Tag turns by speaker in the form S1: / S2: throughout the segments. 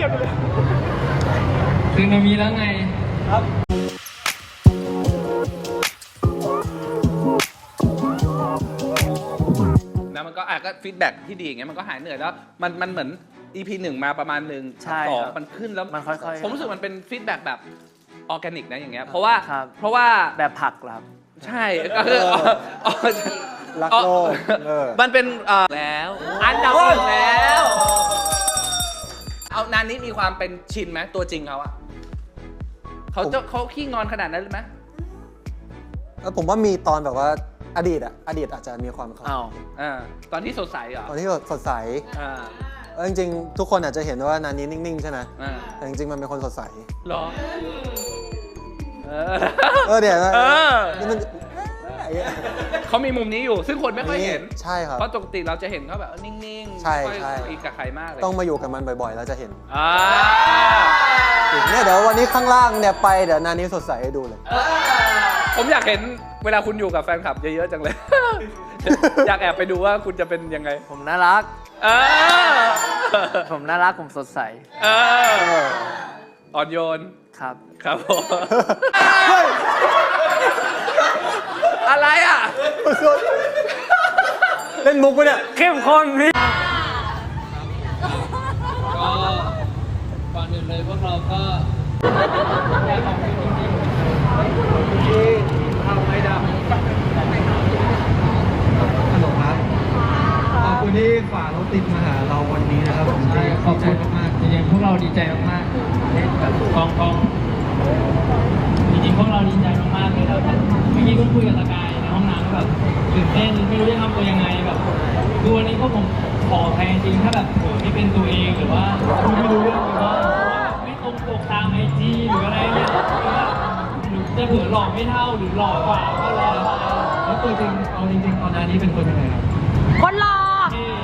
S1: ก็บเลย
S2: คือมันมีแล้วไง
S1: ครับ
S3: แล้วมันก็ก็ฟีดแบ็กที่ดีอย่างเงี้ยมันก็หายเหนื่อยแล้วมันเหมือน EP 1 มาประมาณนึง
S4: ใช่
S3: สอง
S4: ครับ
S3: มันขึ้นแล้ว
S4: มันค่อยๆ
S3: ผมรู้สึกมันเป็นฟีดแบ็กแบบออร์แกนิกนะอย่างเงี้ยเพราะว่า
S4: ครับ
S3: เพราะว่า
S4: แบบผักเหรอครับ
S3: ใช่ก็คือ
S1: รักโลก
S3: มันเป็นแล้วอันดับหนึ่งแล้วเอานานนี้มีความเป็นชินไหมตัวจริงเขาอะเขาขี้งอนขนาดนั้นเลยไหม
S1: ผมว่ามีตอนแบบว่าอดีตอาจจะมีความ
S4: อ้าว
S3: ตอนที่สดใสเหรอ
S1: ตอนที่สดใส
S3: อ่า
S1: จริงๆ ทุกคนอาจจะเห็นว่านานี้นิ่งๆ ใช่ไหม
S3: อ่า
S1: แต่จริงๆ มันเป็นคนสดใส
S3: เหรอ
S1: เดี๋ยว
S3: เออ
S1: นี่มัน
S3: เขามีมุมนี้อยู่ ซึ่งคนไม่ค่อยเห็น
S1: ใช่ครับ
S3: เพราะปกติเราจะเห็นเขาแบบนิ่งๆ
S1: ใช่
S3: ไม่ค่อย
S1: ใช่
S3: คุยกับใครมากเลย
S1: ต้องมาอยู่กับมันบ่อยๆ แล้วจะเห็น
S3: อ่า
S1: เนี่ยเดี๋ยววันนี้ข้างล่างเนี่ยไปเดี๋ยวนานี้สดใสให้ดูเลย
S3: ผมอยากเห็นเวลาคุณอยู่กับแฟนคลับเยอะๆจังเลย อยากแอบไปดูว่าคุณจะเป็นยังไง
S4: ผมน่ารัก
S3: เออ
S4: ผมน่ารัก ผมสดใส
S3: เอออ่อนโยน
S4: ครับ
S3: ครับผม อะไรอ่ะ
S1: เล่นมุกปะเนี่ย
S4: เข้มข้นพี่
S2: ก็ก่อนอื่นเลยพวกเราก็อยากขอบคุณจริงๆที่ทำให้ดัง
S5: ฮัลโหลครับ ขอบคุณที่ฝ่ารถติดมาหาเราวันนี้นะครับผม
S2: ใช่ขอบคุณมากๆจริงๆพวกเราดีใจมากๆที่แบบกองจริงๆพวกเราดีใจมากๆเลยแล้วเมื่อกี้ก็คุยกับตะกายในห้องน้ำแบบตื่นเต้นไม่รู้จะทำตัวยังไงแบบคือวันนี้พวกผมขอแทนจริงถ้าแบบไม่เป็นตัวเองหรือว่าไม่รู้เรื่องหรือว่าไม่ตรงปกตามไอจีหรืออะไรเนี่ยหรือจะเผื่อหล่อไม่เท่าหรือหล่อกว่าก็แล้ว
S5: แล้วตัวจริงเอาจริงๆตอนนี้เป็นคนยังไงครับ
S6: คนรอ
S2: เท่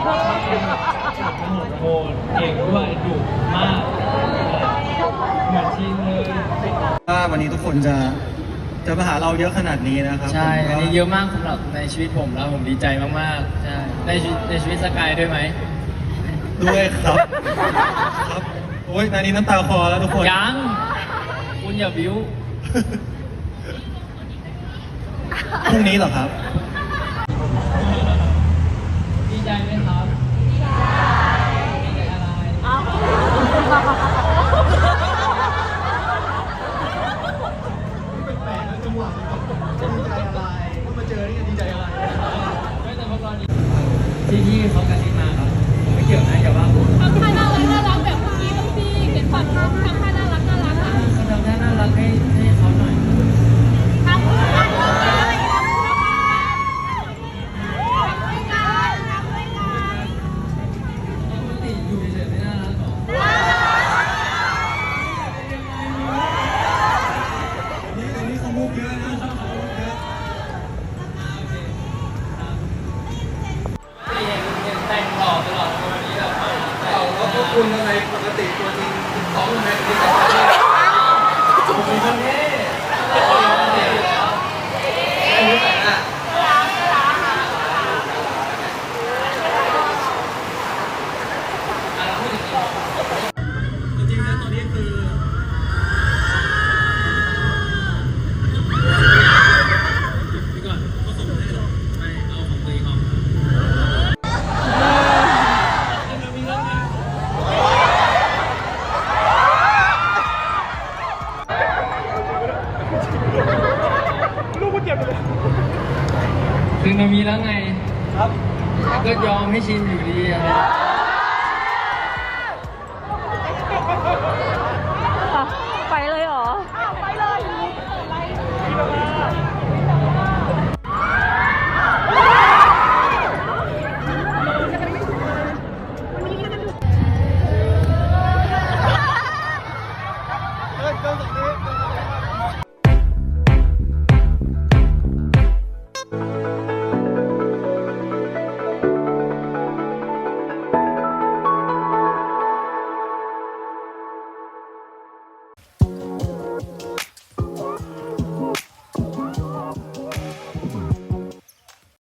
S2: โหดเก่งด้วยดุมากเหมือนชินเลย
S5: ว่าวันนี้ทุกคนจะมาหาเราเยอะขนาดนี้นะครับ
S2: ใช่
S5: ผม
S2: อันนี้เยอะมากสำหรับในชีวิตผมแล้วผมดีใจมากๆ ใช่ ในชีวิตสกายด้วยไหม
S5: ด้วยครับ ครับ โอ้ยนานี้น้ำตาคลอแล้วทุกคน
S2: ยัง คุณอย่าบิ้ว
S5: พรุ่งนี้เหรอครับ
S2: ดีใจไหมครับ ดีใจอะไร ไม่แต่พวกเราดีที่เขากระซิบมาครับผมไม่เกี่ยวนะอย่าว่าผม
S6: ทำท่าน่ารักน่ารักแบบเมื่อกี้ต้องพี่เขียนฝันทำท่าน่ารักน่ารักอ่ะ
S2: ก็ทำท่าน่ารักให้เขาหน่อย
S6: ทำด้วยกันทำด้วยกัน
S2: ปกติอยู่เฉยๆไม่น่ารักหรอ
S5: นี่เขามุกเยอะนะเขามุกเยอะ
S2: แต่งหล่อตลอดวันนี้แบบ
S5: แล้วพวกคุณทำไมปกติตัวจริงซ้อมทำไมถึงแต่งตัวผมมีคนเท่อันนี้แต่งอ่ะจริงๆแล้วตอนนี้คือพี่ก่อนก็ส่งให้หรอไม่เอาของตัวเองออก
S2: คือมันมีแล้วไง
S1: ครับ
S2: ก็ยอมให้ชินอยู่ดีอะไร